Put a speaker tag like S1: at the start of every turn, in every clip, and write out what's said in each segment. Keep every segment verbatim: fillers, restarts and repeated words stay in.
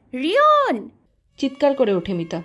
S1: রিয়ন!
S2: চিৎকার করে ওঠে মিতা।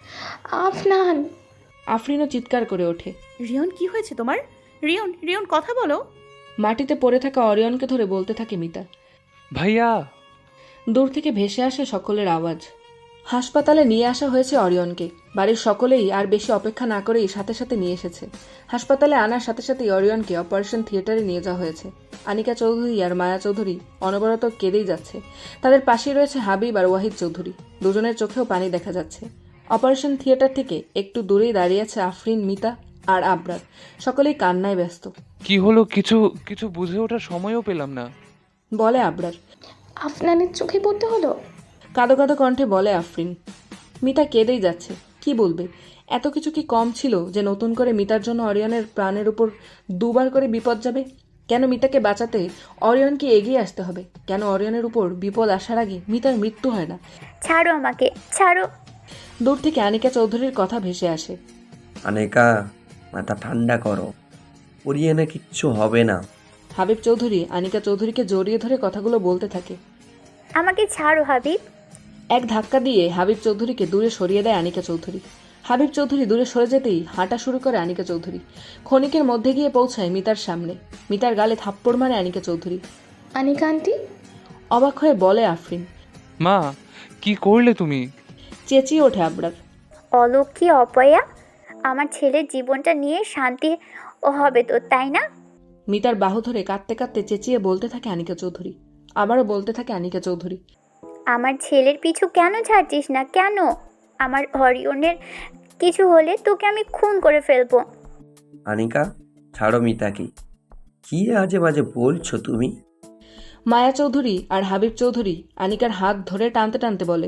S3: আফনান!
S2: আফরিনও চিৎকার করে ওঠে।
S1: রিয়ন, কি হয়েছে তোমার? রিয়ন, রিয়ন, কথা বলো।
S2: মাটিতে পড়ে থাকা অরিয়নকে ধরে বলতে থাকে মিতা।
S4: ভাইয়া!
S2: দূর থেকে ভেসে আসে সকলের আওয়াজ। হাসপাতালে নিয়ে আসা হয়েছে অরিয়নকে। বাড়ির সকলেই আর বেশি অপেক্ষা না করেই সাথে সাথে নিয়ে এসেছে। হাসপাতালে আনার সাথে সাথেই অরিয়নকে অপারেশন থিয়েটারে নিয়ে যাওয়া হয়েছে। আনিকা চৌধুরী আর মায়া চৌধুরী অনবরত কেঁদেই যাচ্ছে। তাদের পাশেই রয়েছে হাবিব আর ওয়াহিদ চৌধুরী। দুজনের চোখেও পানি দেখা যাচ্ছে। অপারেশন থিয়েটার থেকে একটু দূরেই দাঁড়িয়ে আছে আফরিন, মিতা আর আবরার। সকলেই কান্নায় ব্যস্ত।
S4: কি হলো কিছু কিছু বুঝে ওঠার সময়ও পেলাম না।
S2: বলে আবরার।
S3: আফনানের চোখে পড়তে হলো?
S2: কাঁদো কাঁদো কণ্ঠে বলে আফরিন। মিতা কেঁদেই যাচ্ছে। কি বলবে? এত কিছু কি কম ছিল যে নতুন করে মিতার জন্য অরিয়নের প্রাণের উপর দুবার করে বিপদ যাবে? কেন মিতাকে বাঁচাতে অরিয়নকে এগিয়ে আসতে হবে? কেন অরিয়নের উপর বিপদ আসার আগে মিতার মৃত্যু হয় না?
S5: ছাড়ো আমাকে, ছাড়ো।
S2: দূর থেকে আনিকা চৌধুরীর কথা ভেসে আসে।
S6: আনিকা, মাথা ঠান্ডা করো, ওরিয়ানা কিচ্ছু হবে না।
S2: হাবিব চৌধুরী আনিকা চৌধুরীকে জড়িয়ে ধরে কথাগুলো বলতে থাকে।
S5: আমাকে ছাড়ো হাবিব।
S2: এক ধাক্কা দিয়ে হাবিব চৌধুরীকে দূরে সরিয়ে দেয় আনিকা চৌধুরী। হাবিব চৌধুরী দূরে সরে যেতেই হাঁটা শুরু করে আনিকা চৌধুরী। ক্ষণিকের মধ্যে গিয়ে পৌঁছায় মিতার সামনে। মিতার গালে থাপ্পড় মারে আনিকা চৌধুরী।
S3: আনিকা আন্টি!
S2: অবাক হয়ে বলে আফরিন।
S4: মা, কি করলে তুমি?
S2: চেঁচিয়ে ওঠে আবরার।
S5: অলক্ষী অপয়া, আমার ছেলের জীবনটা নিয়ে শান্তি হবে তো, তাই না?
S2: মিতার বাহু ধরে কাঁদতে কাঁদতে চেঁচিয়ে বলতে থাকে আনিকা চৌধুরী। আবারও বলতে থাকে আনিকা চৌধুরী।
S5: আমার ছেলের পিছু কেন ছাড়ছিস না? কেন? আমার হরিয়নের কিছু হলে তোকে আমি খুন করে ফেলবো।
S6: আনিকা, ছাড়ো মিতাকে। কি আজে বাজে বলছো তুমি?
S2: মায়া চৌধুরী আর হাবিব চৌধুরী আনিকার হাত ধরে টানতে টানতে বলে।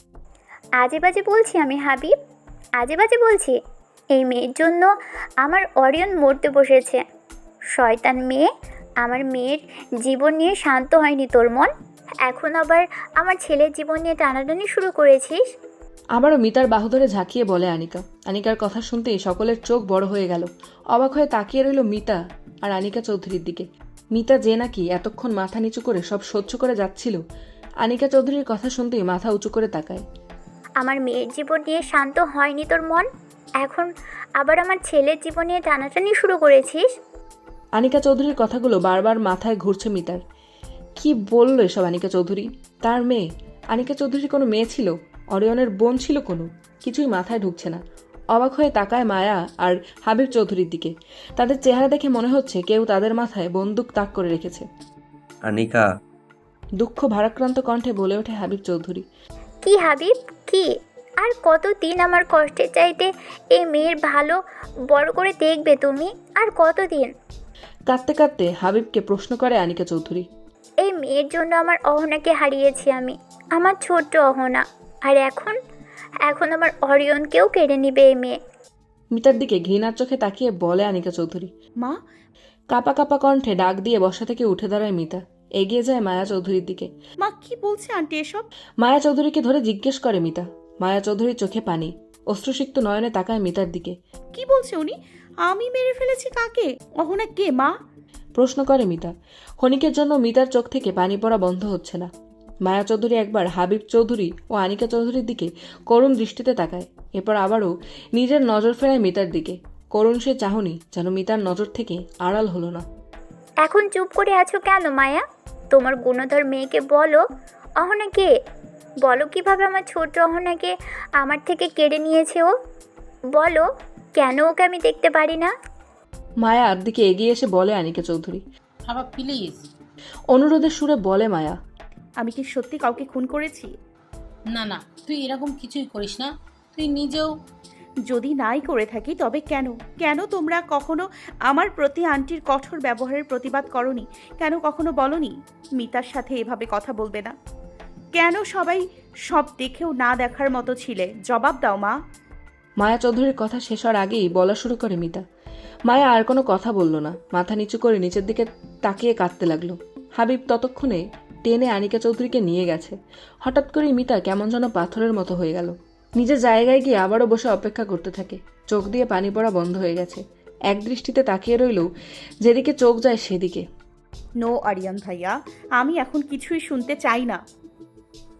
S5: আজে বাজে বলছি আমি হাবিব? আজে বাজে বলছি? এই মেয়ের জন্য আমার অরিয়ন মরতে বসেছে। শয়তান মেয়ে, আমার মেয়ের জীবন নিয়ে শান্ত হয়নি তোর মন, এখন আবার আমার ছেলের জীবন নিয়ে টানাটানি শুরু করেছিস।
S2: আবারও মিতার বাহু ধরে ঝাঁকিয়ে বলে আনিকা। আনিকার কথা শুনতেই সকলের চোখ বড় হয়ে গেল। অবাক হয়ে তাকিয়ে রইল মিতা আর আনিকা চৌধুরীর দিকে। মিতা যে নাকি এতক্ষণ মাথা নিচু করে সব সহ্য করে যাচ্ছিল, আনিকা চৌধুরীর কথা শুনতেই মাথা উঁচু করে তাকায়।
S5: আমার মেয়ের জীবন নিয়ে শান্ত হয়নি তোর মন, এখন আবার আমার ছেলের জীবন নিয়ে টানাটানি শুরু করেছিস।
S2: আনিকা চৌধুরীর কথাগুলো বারবার মাথায় ঘুরছে মিতার। কি বললো এসব আনিকা চৌধুরী? তার মেয়ে? আনিকা চৌধুরীর কোনো মেয়ে ছিল? অরিয়নের বোন ছিল কোনো? কিছুই মাথায় ঢুকছে না। অবাক হয়ে তাকায় মায়া আর হাবিব চৌধুরীর দিকে। তাদের চেহারা দেখে মনে হচ্ছে কেউ তাদের মাথায় বন্দুক তাক করে রেখেছে।
S6: আনিকা!
S2: দুঃখ ভারাক্রান্ত কণ্ঠে বলে ওঠে হাবিব চৌধুরী।
S5: কি হাবিব, কি? আর কতদিন আমার কষ্টের চাইতে এই মেয়ের ভালো বড় করে দেখবে তুমি? আর কতদিন?
S2: কাঁদতে কাঁদতে হাবিবকে প্রশ্ন করে আনিকা চৌধুরী।
S5: এই মেয়ের জন্য আমার অহনাকে হারিয়েছি আমি, আমার ছোট্ট অহনা। আর এখন এখন আমার অরিয়নকেও কেড়ে নিবে এই মেয়ে।
S2: মিতার দিকে ঘৃণার চোখে তাকিয়ে বলে আনিকা চৌধুরী।
S1: মা!
S2: কাপা কাপা কণ্ঠে ডাক দিয়ে বসা থেকে উঠে দাঁড়ায় মিতা। এগিয়ে যায় মায়া চৌধুরীর দিকে।
S1: মা, কি বলছে আন্টি এসব?
S2: মায়া চৌধুরীকে ধরে জিজ্ঞেস করে মিতা। মায়া চৌধুরীর চোখে পানি। অশ্রুসিক্ত নয়নে তাকায় মিতার দিকে।
S1: কি বলছে উনি? আমি মেরে ফেলেছি কাকে? অহনা কে মা?
S2: প্রশ্ন করে মিতা। ক্ষণিকের জন্য মিতার চোখ থেকে পানি পড়া বন্ধ হচ্ছে না। মায়া চৌধুরী একবার হাবিব চৌধুরী ও আনিকা চৌধুরীর দিকে করুণ দৃষ্টিতে তাকায়। এরপর আবারও নিজের নজর ফেরায় মিতার দিকে। করুণ সে চাহনি যেন মিতার নজর থেকে আড়াল হলো না।
S5: এখন চুপ করে আছো কেন মায়া? তোমার গুণধর মেয়েকে বলো অহনা কে। বলো কিভাবে আমার ছোট অহনাকে আমার থেকে কেড়ে নিয়েছে ও। বলো কেন ওকে আমি দেখতে পারি না।
S2: মায়ার দিকে এগিয়ে এসে বলে আনিকা চৌধুরী।
S7: বাবা প্লিজ।
S2: অনুরোধের সুরে বলে মায়া।
S1: আমি কি সত্যি কাউকে খুন করেছি?
S7: না না, তুই এরকম কিছুই করিস না। তুই নিজেও
S1: যদি নাই করে থাকি তবে কেন? কেন তোমরা কখনো আমার প্রতি আন্টির কঠোর ব্যবহারের প্রতিবাদ করনি? কেন কখনো বলনি মিতার সাথে এভাবে কথা বলবে না? কেন সবাই সব দেখেও না দেখার মতো ছিলে? জবাব দাও মা।
S2: মায়া চৌধুরীর কথা শেষ হওয়ার আগেই বলা শুরু করে মিতা। মায়া আর কোনো কথা বলল না। মাথা নিচু করে নিচের দিকে তাকিয়ে কাঁদতে লাগলো। হাবিব ততক্ষণে টেনে আনিকা চৌধুরীকে নিয়ে গেছে। হঠাৎ করেই মিতা কেমন যেন পাথরের মতো হয়ে গেল। নিজের জায়গায় গিয়ে আবারও বসে অপেক্ষা করতে থাকে। চোখ দিয়ে পানি পড়া বন্ধ হয়ে গেছে। এক দৃষ্টিতে তাকিয়ে রইল যেদিকে চোখ যায় সেদিকে।
S1: নো আরিয়ান ভাইয়া, আমি এখন কিছুই শুনতে চাই না।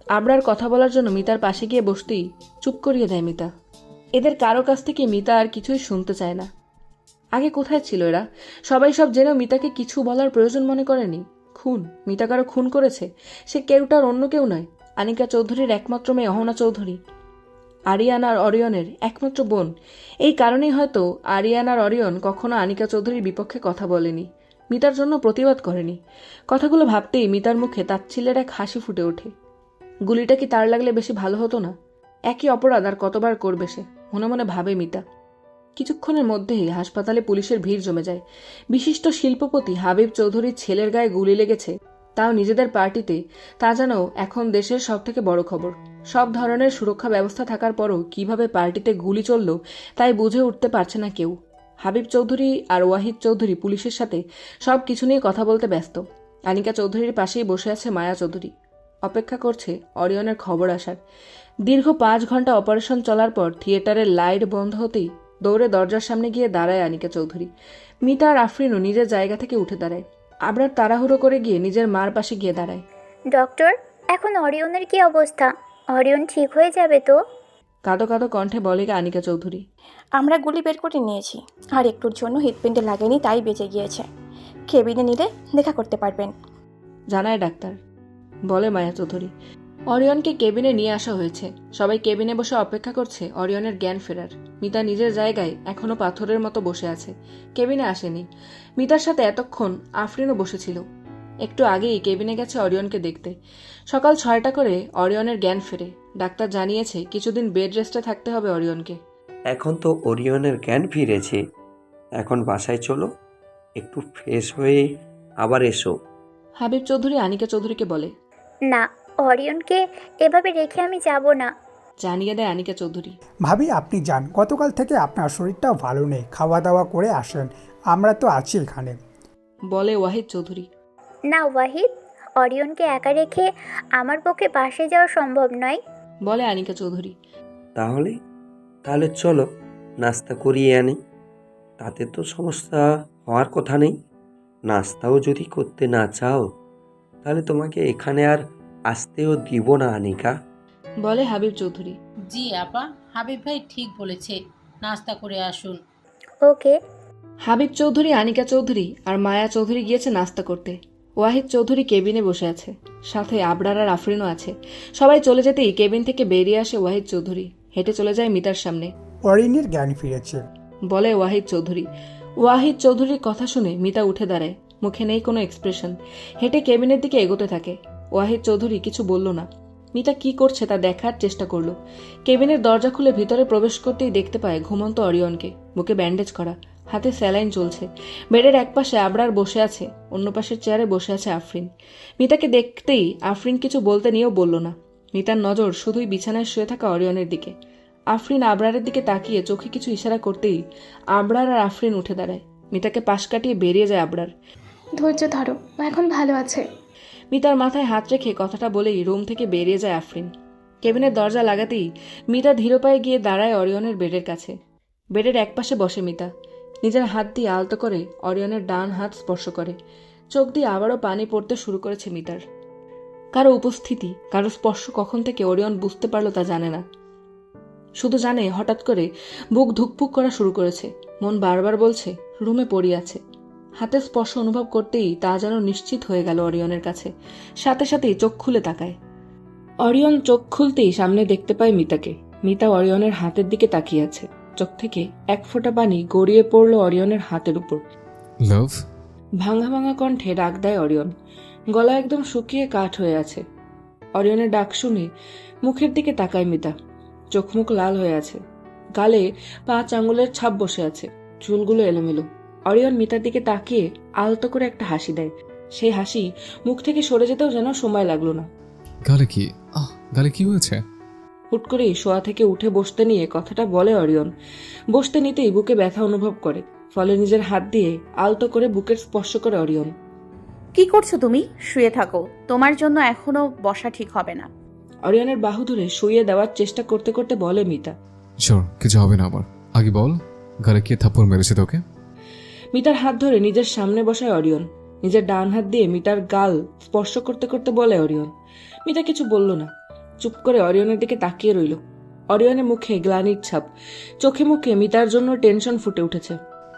S2: আবরার কথা বলার জন্য মিতার পাশে গিয়ে বসতেই চুপ করিয়ে দেয় মিতা। এদের কারো কাছ থেকে মিতা আর কিছুই শুনতে চায় না। আগে কোথায় ছিল এরা? সবাই সব জেনেও মিতাকে কিছু বলার প্রয়োজন মনে করেনি। খুন, মিতা কারো খুন করেছে। সে কেউটার অন্য কেউ নয়, আনিকা চৌধুরীর একমাত্র মেয়ে অহনা চৌধুরী, আরিয়ান আর অরিয়নের একমাত্র বোন। এই কারণেই হয়তো আরিয়ান আর অরিয়ন কখনো আনিকা চৌধুরীর বিপক্ষে কথা বলেনি, মিতার জন্য প্রতিবাদ করেনি। কথাগুলো ভাবতেই মিতার মুখে তাচ্ছিল্যের এক হাসি ফুটে ওঠে। গুলিটা কি তার লাগলে বেশি ভালো হতো না? একই অপরাধ আর কতবার করবে সে, মনে মনে ভাবে মিতা। কিছুক্ষণের মধ্যেই হাসপাতালে পুলিশের ভিড় জমে যায়। বিশিষ্ট শিল্পপতি হাবিব চৌধুরীর ছেলের গায়ে গুলি লেগেছে, তাও নিজেদের পার্টিতে। তা যেন এখন দেশের সব থেকে বড় খবর। সব ধরনের সুরক্ষা ব্যবস্থা থাকার পরও কিভাবে পার্টিতে গুলি চলল তাই বুঝে উঠতে পারছে না কেউ। হাবিব চৌধুরী আর ওয়াহিদ চৌধুরী পুলিশের সাথে সব কিছু নিয়ে কথা বলতে ব্যস্ত। আনিকা চৌধুরীর পাশেই বসে আছে মায়া চৌধুরী, অপেক্ষা করছে অরিয়নের খবর আসার। দীর্ঘ পাঁচ ঘন্টা অপারেশন চলার পর থিয়েটারের লাইট বন্ধ হতেই দৌড়ে দরজার সামনে গিয়ে দাঁড়ায় আনিকা চৌধুরী। মিতা আর আফরিনও নিজের জায়গা থেকে উঠে দাঁড়ায়। আবরার তাড়াহুড়ো করে গিয়ে নিজের মার পাশে গিয়ে দাঁড়ায়।
S5: ডক্টর, এখন অরিয়নের কি অবস্থা? অরিয়ন ঠিক হয়ে যাবে তো?
S2: কাঁদো কাঁদো কণ্ঠে বলে আনিকা চৌধুরী।
S8: আমরা গুলি বের করে নিয়েছি, আর একটুর জন্য হিটপ্যান্টে লাগেনি, তাই বেঁচে গিয়েছে। কেবিনে নিলে দেখা করতে পারবেন,
S2: জানায় ডাক্তার, বলে মায়া চৌধুরী। অরিয়নকে কেবিনে নিয়ে আসা হয়েছে। সবাই কেবিনে বসে অপেক্ষা করছে অরিয়নের জ্ঞান ফেরার। মিতা নিজের জায়গায় এখনো পাথরের মতো বসে আছে, কেবিনে আসেনি। মিতার সাথে এতক্ষণ আফরিনও বসেছিল। একটু আগেই কেবিনে গেছে অরিয়নকে দেখতে। সকাল ছয়টা করে অরিয়নের জ্ঞান ফেরে। ডাক্তার জানিয়েছে কিছুদিন বেড রেস্টে থাকতে হবে অরিয়নকে।
S6: এখন তো ওরিয়নের জ্ঞান ফিরেছে, এখন বাসায় চলো, একটু ফ্রেশ হয়ে আবার এসো।
S2: হাবিব চৌধুরী আনিকা চৌধুরীকে বলে।
S5: না, অরিয়নকে এভাবে রেখে আমি যাব না।
S2: জানিয়ে দেয় আনিকা চৌধুরী।
S9: ভাবি আপনি যান, গতকাল থেকে আপনার শরীরটাও ভালো নেই, খাওয়া দাওয়া করে আসেন, আমরা তো আছি এখানে,
S2: বলে ওয়াহিদ চৌধুরী।
S5: না ওয়াহিদ, অরিয়নকে একা রেখে আমার পক্ষে বাসে যাওয়া সম্ভব নয়,
S2: বলে আনিকা চৌধুরী।
S6: তাহলে তাহলে চলো নাস্তা করিয়ে আনি, তাতে তো সমস্যা হওয়ার কথা নেই। নাস্তাও যদি করতে না চাও তাহলে তোমাকে এখানে আর আসতেও দিব না আনিকা,
S2: বলে হাবিব চৌধুরী।
S7: জি আপা, হাবিব ভাই ঠিক বলেছে, নাস্তা করে আসুন।
S5: ওকে।
S2: হাবিব চৌধুরী, আনিকা চৌধুরী আর মায়া চৌধুরী গিয়েছে নাস্তা করতে। ওয়াহিদ চৌধুরী কেবিনে বসে আছে, সাথে আবরার আর আফরিনও আছে। সবাই চলে যেতেই কেবিন থেকে বেরিয়ে আসে ওয়াহিদ চৌধুরী। হেঁটে চলে যায় মিতার সামনে।
S9: অরিনের জ্ঞান ফিরেছে,
S2: বলে ওয়াহিদ চৌধুরী। ওয়াহিদ চৌধুরীর কথা শুনে মিতা উঠে দাঁড়ায়, মুখে নেই কোনো এক্সপ্রেশন। হেঁটে কেবিনের দিকে এগোতে থাকে। ওয়াহিদ চৌধুরী কিছু বলল না। মিতা কি করছে তা দেখার চেষ্টা করলো। কেবিনের দরজা খুলে ভিতরে প্রবেশ করতেই দেখতে পায় ঘুমন্ত অরিয়নকে, বুকে ব্যান্ডেজ করা, হাতে স্যালাইন চলছে। বেডের এক পাশে আবরার বসে আছে, অন্য পাশের চেয়ারে বসে আছে আফরিন। মিতাকে দেখতেই আফরিন কিছু বলতে নিয়েও বলল না। মিতার নজর শুধুই বিছানায় শুয়ে থাকা অরিয়নের দিকে। আফরিন আবরারের দিকে তাকিয়ে চোখে কিছু ইশারা করতেই আবরার আর আফরিন উঠে দাঁড়ায়। মিতাকে পাশ কাটিয়ে বেরিয়ে যায় আবরার।
S3: ধৈর্য ধরো, ও এখন ভালো আছে।
S2: মিতার মাথায় হাত রেখে কথাটা বলেই রুম থেকে বেরিয়ে যায় আফরিন। কেবিনের দরজা লাগাতেই মিতা ধীর পায়ে গিয়ে দাঁড়ায় অরিয়নের বেডের কাছে। বেডের একপাশে বসে মিতা নিজের হাত দিয়ে আলতো করে অরিয়নের ডান হাত স্পর্শ করে। চোখ দিয়ে আবারও পানি পড়তে শুরু করেছে মিতার। কারো উপস্থিতি, কারো স্পর্শ কখন থেকে অরিয়ন বুঝতে পারলো তা জানে না। শুধু জানে হঠাৎ করে বুক ধুকপুক করা শুরু করেছে। মন বারবার বলছে রুমে পড়ে আছে। হাতের স্পর্শ অনুভব করতেই তা যেন নিশ্চিত হয়ে গেল অরিয়নের কাছে। সাথে সাথেই চোখ খুলে তাকায়। অরিয়ন চোখ খুলতেই সামনে দেখতে পায় মিতাকে। মিতা অরিয়নের হাতের দিকে তাকিয়ে আছে। চোখ থেকে এক ফোঁটা পানি গড়িয়ে পড়ল অরিয়নের হাতের উপর।
S10: লাভ,
S2: ভাঙা ভাঙা কণ্ঠে ডাক দেয় অরিয়ন। গলা একদম শুকিয়ে কাঠ হয়ে আছে। অরিয়নের ডাক শুনে মুখের দিকে তাকায় মিতা। চোখ মুখ লাল হয়ে আছে, গালে পাঁচ আঙুলের ছাপ বসে আছে, চুলগুলো এলোমেলো। অরিয়ন মিতার দিকে তাকিয়ে আলতো করে একটা হাসি দেয়। সেই হাসি মুখ থেকে সরে যেতেও যেন সময় লাগলো না।
S10: গালে কি আহ গালে কি হয়েছে?
S2: হুট করেই শোয়া থেকে উঠে বসতে নিয়ে কথাটা বলে অরিয়ন। বসতে নিতেই বুকে ব্যথা অনুভব করে, ফলে নিজের হাত দিয়ে আলতো করে বুকের স্পর্শ করে অরিয়ন।
S1: কি করছো তুমি? শুয়ে থাকো, তোমার জন্য এখনো বসা ঠিক হবে না।
S2: অরিয়নের বাহু ধরে শুইয়ে দেওয়ার চেষ্টা করতে করতে বলে মিতা।
S10: শিওর কিছু হবে না আমার, আগে বল গালে কে থাপ্পড় মেরেছে তোকে?
S2: মিতার হাত ধরে নিজের সামনে বসায় অরিয়ন। নিজের ডান হাত দিয়ে মিতার গাল স্পর্শ করতে করতে বলে অরিয়ন। মিতা কিছু বলল না। চুপ করে অরিয়নের দিকে তাকিয়ে রইল। অরিয়নের মুখে গ্লানির ছাপ, চোখে মুখে মিতার জন্য টেনশন ফুটে উঠেছে।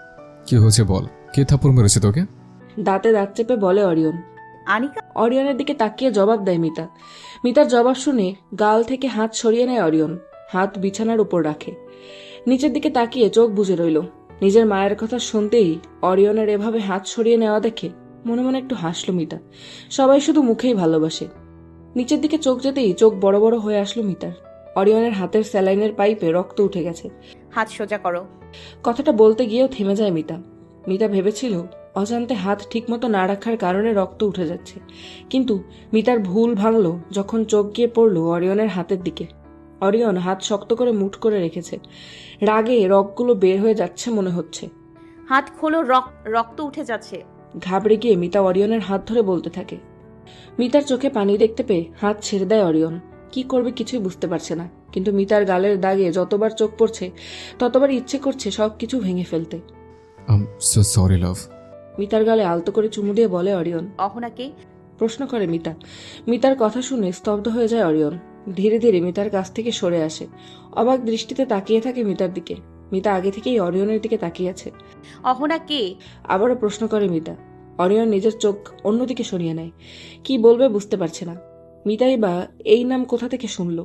S10: কি হয়েছে বল, কে থাপ্পড় মেরেছে তোকে?
S2: দাঁতে দাঁত চেপে বলে অরিয়ন।
S1: আনিকা
S2: অরিয়নের দিকে তাকিয়ে জবাব দেয় মিতা। মিতার জবাব শুনে গাল থেকে হাত সরিয়ে নেয় অরিয়ন, হাত বিছানার উপর রাখে। নিচের দিকে তাকিয়ে চোখ বুজে রইল। নিজের মায়ের কথা শুনতেই অরিয়নের এভাবে হাত সরিয়ে নেওয়া দেখে মনে মনে একটু হাসলো মিতা। সবাই শুধু মুখেই ভালোবাসে। নিচের দিকে চোখ যেতেই চোখ বড় বড় হয়ে আসলো মিতার। অরিয়নের হাতের স্যালাইনের পাইপে রক্ত উঠে গেছে।
S1: হাত সোজা করো।
S2: কথাটা বলতে গিয়েও থেমে যায় মিতা। মিতা ভেবেছিল অজান্তে হাত ঠিকমতো না রাখার কারণে রক্ত উঠে যাচ্ছে, কিন্তু মিতার ভুল ভাঙল যখন চোখ গিয়ে পড়ল অরিয়নের হাতের দিকে। অরিয়ন হাত শক্ত করে মুঠ করে রেখেছে, রাগে রগগুলো বের হয়ে যাচ্ছে মনে হচ্ছে।
S1: হাত খোলো, রক্ত উঠে যাচ্ছে।
S2: ঘাবড়ে গিয়ে মিতা অরিয়নের হাত ধরে বলতে থাকে। মিতার চোখে পানি দেখতে পেয়ে হাত ছেড়ে দেয় অরিয়ন। কি করবে কিছুই বুঝতে পারছে না, কিন্তু মিতার গালের দাগে যতবার চোখ পড়ছে ততবার ইচ্ছে করছে সবকিছু ভেঙে ফেলতে।
S10: Am so sorry love.
S2: মিতার গালে আলতো করে চুমু দিয়ে বলে অরিয়ন।
S1: অহনাকে
S2: প্রশ্ন করে মিতা। মিতার কথা শুনে স্তব্ধ হয়ে যায় অরিয়ন। ধীরে ধীরে মিতার কাছ থেকে সরে আসে, অবাক দৃষ্টিতে তাকিয়ে থাকে মিতার দিকে। মিতা আগে থেকেই অরিয়নের দিকে তাকিয়ে আছে।
S1: অহনাকে
S2: আবারও প্রশ্ন করে মিতা। অরিয়ন নিজের চোখ অন্যদিকে সরিয়ে নেয়, কি বলবে বুঝতে পারছে না। মিতাই বা এই নাম কোথা থেকে শুনলো?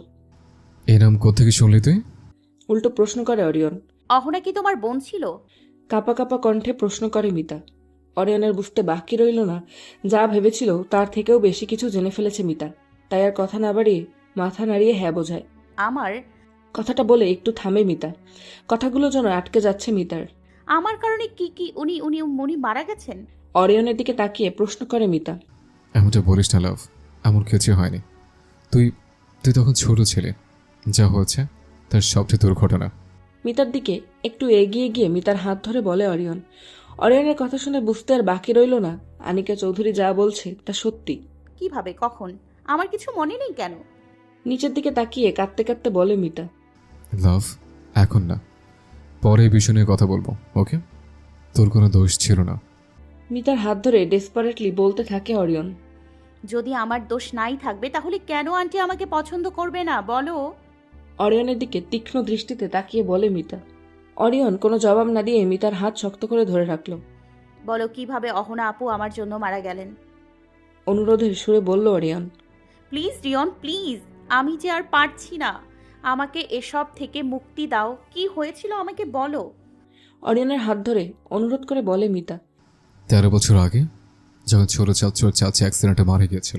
S10: এই নাম কোত্থেকে শুনলি তুই?
S2: উল্টো প্রশ্ন করে অরিয়ন।
S1: অহনা কি তোমার বোন ছিল?
S2: কাপা কাপা কণ্ঠে প্রশ্ন করে মিতা। অরিয়নের বুঝতে বাকি রইল না, যা ভেবেছিল তার থেকেও বেশি কিছু জেনে ফেলেছে মিতা। তাই আর কথা না বাড়িয়ে মাথা নাড়িয়ে হ্যাঁ বোঝায়।
S1: আমার
S2: কথাটা বলে একটু থামে মিতা। কথাগুলো যেন আটকে যাচ্ছে মিতার।
S1: আমার কারণে কি কি উনি উনি উনি মারা গেছেন?
S2: অরিয়নের দিকে তাকিয়ে প্রশ্ন করে মিতা।
S10: এমনটা বলিস না লাভ, এমন কিছু হয়নি। তুই তুই তখন ছোট ছেলে, যা হয়েছে তার সবচেয়ে দুর্ঘটনা।
S2: মিতার দিকে একটু এগিয়ে গিয়ে মিতার হাত ধরে বলে অরিয়ন। অরিয়নের কথা শুনে বুঝতে আর বাকি রইল না আনিকা চৌধুরী যা বলছে তা সত্যি।
S1: কিভাবে, কখন? আমার কিছু মনে নেই কেন?
S2: নিচের দিকে তাকিয়ে কাঁদতে কাঁদতে বলে মিতা।
S10: লাভ, এখন না, পরে এই বিষয় নিয়ে কথা বলবো, ওকে? তোর কোনো দোষ ছিল না।
S2: মিতার হাত ধরে ডেসপারেটলি বলতে থাকে অরিয়ন।
S1: যদি আমার দোষ নাই থাকবে তাহলে কেন আন্টি আমাকে পছন্দ করবে না বলো?
S2: অরিয়নের দিকে তীক্ষ্ণ দৃষ্টিতে তাকিয়ে বলে মিতা। অরিয়ন কোনো জবাব না দিয়ে মিতার হাত শক্ত করে ধরে রাখল।
S1: বলো কিভাবে অহনা আপু আমার জন্য মারা গেলেন?
S2: অনুরোধের সুরে বলল অরিয়ন।
S1: প্লিজ রিয়ন, প্লিজ, আমি যে আর পারছি না, আমাকে এসব থেকে মুক্তি দাও। কি হয়েছিল আমাকে বলো।
S2: অরিয়নের হাত ধরে অনুরোধ করে বলে মিতা।
S10: তেরো বছর আগে যখন ছোট চাচু আর চাচি অ্যাক্সিডেন্টে মারা গিয়েছিল,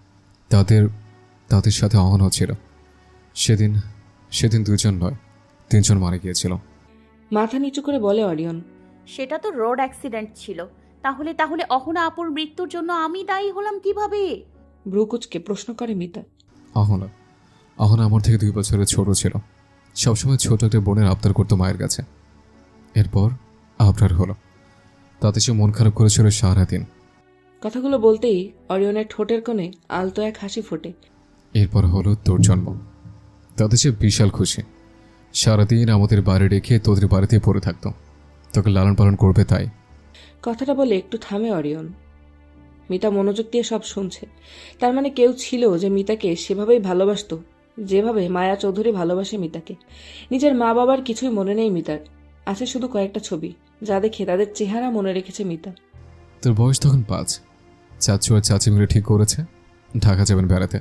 S10: তাদের তাদের সাথে অহনও ছিল। সেদিন সেদিন দুজন নয়, তিনজন মারা গিয়েছিল।
S2: মাথা নিচু করে বলে অরিয়ন।
S1: সেটা তো রোড অ্যাক্সিডেন্ট ছিল, তাহলে তাহলে অহনা আপুর মৃত্যুর জন্য আমি দায়ী হলাম কিভাবে?
S2: ভ্রুকুচকে প্রশ্ন করে মিতা।
S10: অহনা অহনা আমার থেকে দুই বছরের ছোট ছিল। সবসময় ছোট একটা বোনের আবদার করতো মায়ের কাছে। এরপর আবদার হলো, তাতে সে মন খারাপ করেছিল সারাদিন।
S2: কথাগুলো বলতেই অরিয়নের ঠোঁটের কোণে আলতো এক হাসি ফোটে।
S10: এরপর হলো তোর জন্ম, তাতে সে বিশাল খুশি। সারাদিন আমাদের বাড়ি রেখে তোদের বাড়িতে পড়ে থাকতো, তোকে লালন পালন করবে তাই।
S2: কথাটা বলে একটু থামে অরিয়ন। মিতা মনোযোগ দিয়ে সব শুনছে। তার মানে কেউ ছিল যে মিতাকে সেভাবেই ভালোবাসতো, যেভাবে মায়া চৌধুরী ভালোবাসে মিতাকে। নিজের মা বাবার কিছুই মনে নেই মিতার, আছে শুধু কয়েকটা ছবি, যা দেখে তাদের চেহারা মনে রেখেছে মিতা।
S10: তোর বয়স তখন পাঁচ। চাচু আর চাচি মিলে ঠিক করেছে ঢাকা যাবেন বেড়াতে,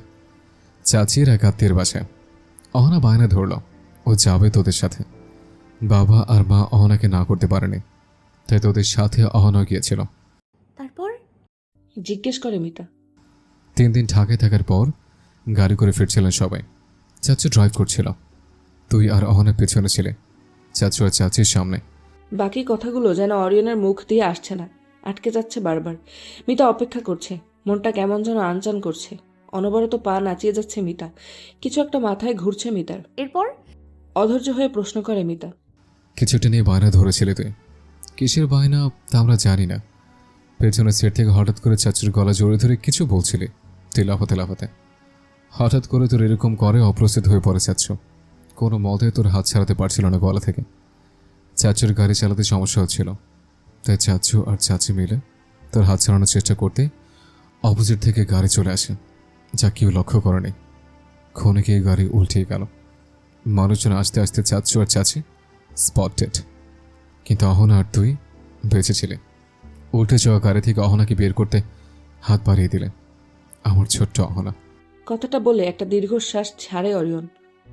S10: চাচির এক আত্মীয়ের বাসায়। অহনা বায়না ধরল ও যাবে তোদের সাথে। বাবা আর মা অহনাকে না করতে পারেনি, তাই তোদের সাথে অহনা গিয়েছিল।
S1: তারপর
S2: জিজ্ঞেস করে মিতা।
S10: তিন দিন ঢাকায় থাকার পর গাড়ি করে ফিরছিলেন সবাই। চাচু ড্রাইভ করছিল, তুই আর অহনা পেছনে ছিলে, চাচু আর চাচির সামনে।
S2: বাকি কথাগুলো যেন অরিয়নের মুখ দিয়ে আসছে না, আটকে যাচ্ছে বারবার। মিতা অপেক্ষা করছে, মনটা কেমন যেন আনচান করছে। অনবরত পা নাচিয়ে যাচ্ছে মিতা, কিছু একটা মাথায় ঘুরছে মিতার।
S1: এরপর
S2: অধৈর্য হয়ে প্রশ্ন করে মিতা।
S10: কিছুটা নিয়ে বায়না ধরেছিলে তুই, কিসের বায়না তা আমরা জানি না। পেছনের সিট থেকে হঠাৎ করে চাচুর গলা জড়িয়ে ধরে কিছু বলছিলি তুই লাফাতে লাফাতে। হঠাৎ করে তোর এরকম করে অপ্রস্তুত হয়ে পড়ে চাচ্ছু, কোনো মতে তোর হাত ছাড়াতে পারছিল না গলা থেকে। চাচুর গাড়ি চালাতে সমস্যা হচ্ছিল, তাই চাচু আর চাচি মিলে তোর হাত ছাড়ানোর চেষ্টা করতে অপোজিট থেকে গাড়ি চলে আসে, যা কেউ লক্ষ্য করেনি। ক্ষণিকে গাড়ি উল্টে গেল। মানুষজন আস্তে আস্তে চাচ্ছু আর চাচি স্পটেড, কিন্তু অহনা আর তুই বেঁচেছিলে। উল্টে যাওয়া গাড়ি থেকে অহনাকে বের করতে হাত বাড়িয়ে দিলেন। আমার ছোট্ট অহনা।
S2: কথাটা বলে একটা দীর্ঘশ্বাস ছাড়ে অরিয়ন।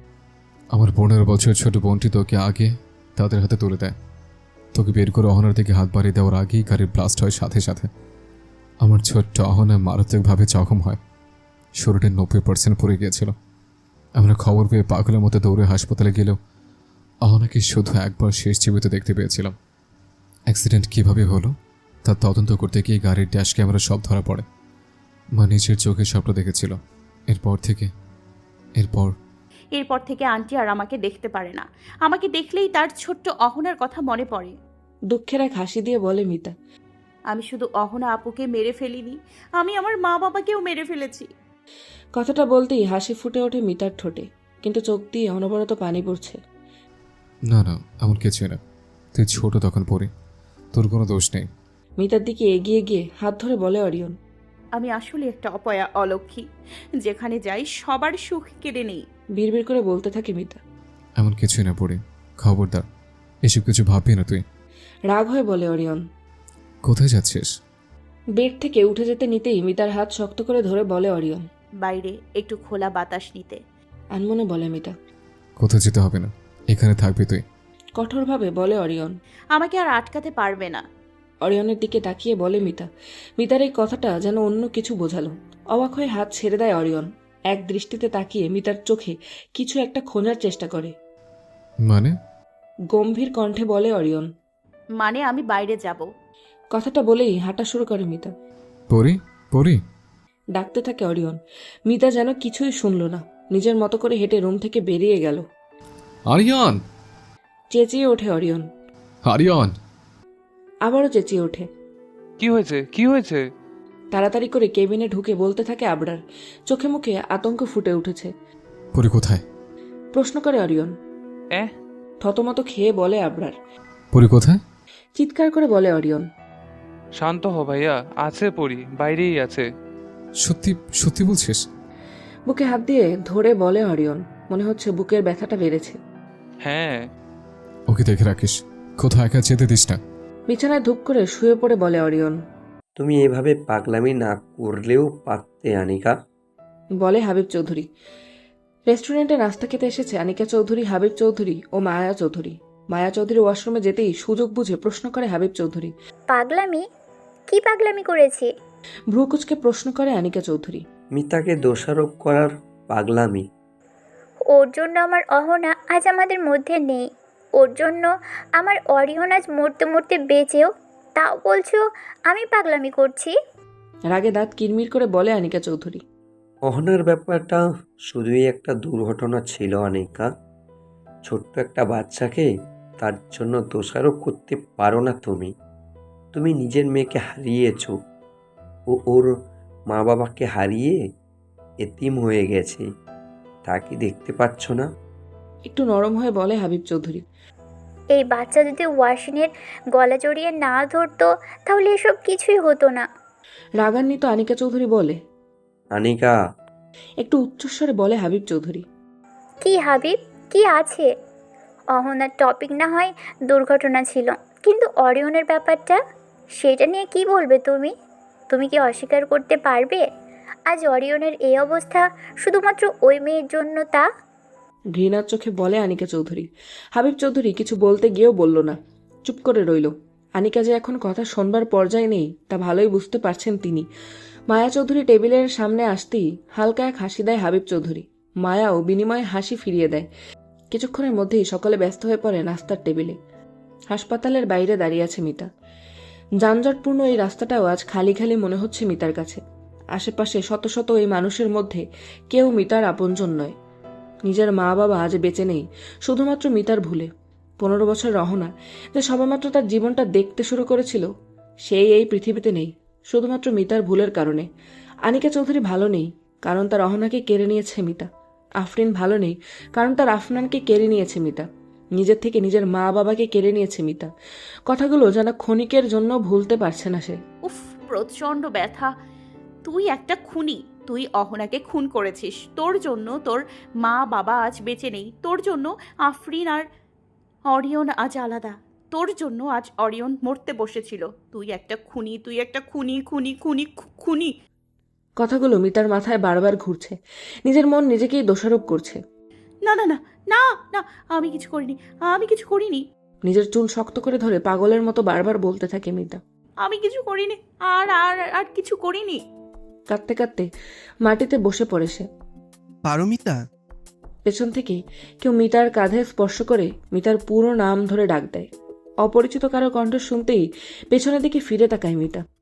S10: আমার পনেরো বছর ছোট বোনটি তোকে আগে তাদের হাতে তুলে দেয়। তোকে বের করে অহনার দিকে হাত বাড়িয়ে দেওয়ার আগেই গাড়ির ব্লাস্ট হয় সাথে সাথে। আমার ছোট্ট অহনা মারাত্মকভাবে জখম হয়। শরীরের নব্বই পার্সেন্ট পড়ে গিয়েছিল। আমরা খবর পেয়ে পাগলের মতো দৌড়ে হাসপাতালে গেলেও অহনাকে শুধু একবার শেষ জীবিত দেখতে পেয়েছিলাম। অ্যাক্সিডেন্ট কিভাবে হলো তা তদন্ত করতে গিয়ে গাড়ির ড্যাশ ক্যামেরা সব ধরা পড়ে। মা নিজের চোখে সবটা দেখেছিল। এরপর থেকে এরপর
S1: এরপর থেকে আন্টি আর আমাকে দেখতে পারে না। আমাকে দেখলেই তার ছোট্ট অহনার কথা মনে পড়ে।
S2: দুঃখের এক হাসি দিয়ে বলে মিতা।
S1: আমি শুধু অহনা আপুকে মেরে ফেলিনি, আমি আমার মা বাবাকেও মেরে ফেলেছি।
S2: কথাটা বলতেই হাসি ফুটে ওঠে মিতার ঠোঁটে, কিন্তু চোখ দিয়ে অনবরত পানি পড়ছে।
S10: না না, এমন কিছুই না। তুই ছোট তখন পড়ি, তোর কোনো দোষ নেই।
S2: মিতার দিকে এগিয়ে গিয়ে হাত ধরে বলে অরিয়ন।
S1: আমি আসলে একটা অপয়া অলক্ষী, যেখানে যাই সবার সুখ কেড়ে নেই।
S2: বিড়বিড় করে বলতে থাকে মিতা।
S10: এমন কিছুই না পড়ি, খবরদার এসব কিছু ভাববি না তুই।
S2: রাগ হয়ে বলে অরিয়ন।
S10: কোথায় যাচ্ছিস?
S2: বেড থেকে উঠে যেতে নিতেই মিতার হাত শক্ত করে ধরে বলে অরিয়ন।
S1: বাইরে একটু খোলা বাতাস নিতে।
S2: আনমনে বলে মিতা।
S10: কোথাও যেতে হবে না, এখানে থাকবি তুই।
S2: কঠোরভাবে বলে অরিয়ন।
S1: আমাকে আর আটকাতে পারবে না।
S2: অরিয়নের দিকে তাকিয়ে বলে মিতা। মিতার এই কথাটা যেন অন্য কিছু বোঝালো। অবাক হয়ে হাত ছেড়ে দেয় অরিয়ন। এক দৃষ্টিতে তাকিয়ে মিতার চোখে কিছু একটা খোঁজার চেষ্টা করে।
S10: মানে?
S2: গম্ভীর কণ্ঠে বলে অরিয়ন।
S1: মানে আমি বাইরে যাব।
S2: কথাটা বলেই হাঁটা শুরু করে মিতা।
S10: পড়ি পড়ি
S2: ডাকতে থাকে অরিয়ন। মিতা যেন কিছুই শুনল না, নিজের মতো করে হেঁটে রুম থেকে বেরিয়ে গেল।
S10: আরিয়ান!
S2: চেঁচিয়ে ওঠে অরিয়ন।
S10: আরিয়ান!
S2: আবারও চেঁচিয়ে ওঠে।
S4: কি হয়েছে কি হয়েছে?
S2: তাড়াতাড়ি করে কেবিনে ঢুকে বলতে থাকে আবরার। চোখে মুখে আতঙ্ক ফুটে উঠেছে।
S10: পড়ি কোথায়?
S2: প্রশ্ন করে অরিয়ন।
S4: এ
S2: থতমত খেয়ে বলে আবরার।
S10: পড়ি কোথায়?
S2: চিৎকার করে বলে অরিয়ন।
S4: শান্ত হ ভাইয়া, আছে পড়ি, বাইরেই আছে।
S10: সত্যি সত্যি বলছিস?
S2: বুকে হাত দিয়ে ধরে বলে অরিয়ন। মনে হচ্ছে বুকের ব্যথাটা বেড়েছে।
S4: হ্যাঁ।
S10: ওকে দেখে রাখিস, কোথাও একা যেতে দিস না।
S2: বিছানায় ধূপ করে শুয়ে পড়ে বলে অরিয়ন।
S6: তুমি এভাবে পাগলামি না করলেও পারতে আনিকা।
S2: বলে হাবিব চৌধুরী। রেস্টুরেন্টে নাস্তা খেতে এসেছে আনিকা চৌধুরী, হাবিব চৌধুরী ও মায়া চৌধুরী। মায়া চৌধুরী ওয়াশরুমে যেতেই সুযোগ বুঝে প্রশ্ন করে হাবিব চৌধুরী।
S5: পাগলামি? কি পাগলামি করেছি?
S2: ভ্রু কুচকে প্রশ্ন করে আনিকা চৌধুরী।
S6: মিতাকে দোষারোপ করার পাগলামি।
S5: ওর জন্য আমার অহনা আজ আমাদের মধ্যে নেই। ওর জন্য আমার অরিয়ন আজ মরতে মরতে বেঁচেও তাও বলছো আমি পাগলামি করছি?
S2: রাগে দাঁত কিরমির করে বলে আনিকা চৌধুরী।
S6: অহনার ব্যাপারটা শুধুই একটা দুর্ঘটনা ছিল আনিকা। ছোট্ট একটা বাচ্চাকে তার জন্য দোষারোপ করতে পারো না তুমি। তুমি নিজের মেয়েকে হারিয়েছো, ও ওর মা বাবাকে হারিয়ে এতিম হয়ে গেছে, তা কি দেখতে পাচ্ছ না?
S2: একটু নরম হয়ে বলে হাবিব চৌধুরী।
S5: এই বাচ্চা যদি ওয়াশিনের গলা জড়িয়ে না ধরতো তাহলে এসব কিছুই হতো না।
S2: রাগান্বিত আনিকা চৌধুরী বলে।
S6: আনিকা!
S2: একটু উচ্চস্বরে বলে হাবিব চৌধুরী।
S5: কি হাবিব, কি আছে? অহনার টপিক না হয় দুর্ঘটনা ছিল, কিন্তু অরিয়নের ব্যাপারটা, সেটা নিয়ে কি বলবে তুমি? তুমি কি অস্বীকার করতে পারবে আজ অরিয়নের এই অবস্থা শুধুমাত্র ওই মেয়ের জন্য? তা
S2: ঘৃণার চোখে বলে আনিকা চৌধুরী। হাবিব চৌধুরী কিছু বলতে গিয়েও বলল না, চুপ করে রইল। আনিকা যে এখন কথা শোনবার পর্যায়ে নেই তা ভালোই বুঝতে পারছেন তিনি। মায়া চৌধুরী টেবিলের সামনে আসতেই হালকা এক হাসি দেয় হাবিব চৌধুরী। মায়াও বিনিময়ে হাসি ফিরিয়ে দেয়। কিছুক্ষণের মধ্যেই সকলে ব্যস্ত হয়ে পড়ে নাস্তার টেবিলে। হাসপাতালের বাইরে দাঁড়িয়ে আছে মিতা। যানজটপূর্ণ এই রাস্তাটাও আজ খালি খালি মনে হচ্ছে মিতার কাছে। আশেপাশে শত শত এই মানুষের মধ্যে কেউ মিতার আপনজন নয়। নিজের মা বাবা আজ বেঁচে নেই শুধুমাত্র মিতার ভুলে। পনেরো বছর রহনা যে সবেমাত্র তার জীবনটা দেখতে শুরু করেছিল, সেই এই পৃথিবীতে নেই শুধুমাত্র মিতার ভুলের কারণে। আনিকা চৌধুরী ভালো নেই কারণ তার রহনাকে কেড়ে নিয়েছে মিতা। আফরিন ভালো নেই কারণ তার আফনানকে কেড়ে নিয়েছে মিতা। নিজের থেকে নিজের মা বাবাকে কেড়ে নিয়েছে মিতা। কথাগুলো যেন ক্ষণিকের জন্য ভুলতে পারছে না সে।
S1: উফ, প্রচণ্ড ব্যথা। তুই একটা খুনি, তুই অহনাকে খুন করেছিস। তোর জন্য তোর মা বাবা আজ বেঁচে নেই। তোর জন্য আফরিন আর অরিয়ন আজ আলাদা। তোর জন্য আজ অরিয়ন মরতে বসেছিল। তুই একটা খুনি, তুই একটা খুনি, খুনি, খুনি, খু- খুনি।
S2: কথাগুলো মিতার মাথায় বারবার ঘুরছে। নিজের মন নিজেকেই দোষারোপ করছে।
S1: না না না না না, আমি কিছু করিনি, আমি কিছু করিনি,
S2: নিজের চুল শক্ত করে ধরে পাগলের মতো বারবার বলতে থাকে মিতা।
S1: আমি কিছু করিনি, আর আর আর কিছু করিনি।
S2: কাঁদতে কাঁদতে মাটিতে বসে পড়ে সে।
S11: পারমিতা।
S2: পেছন থেকে কেউ মিতার কাঁধে স্পর্শ করে মিতার পুরো নাম ধরে ডাক দেয়। অপরিচিত কারো কণ্ঠ শুনতেই পেছনের দিকে ফিরে তাকায় মিতা।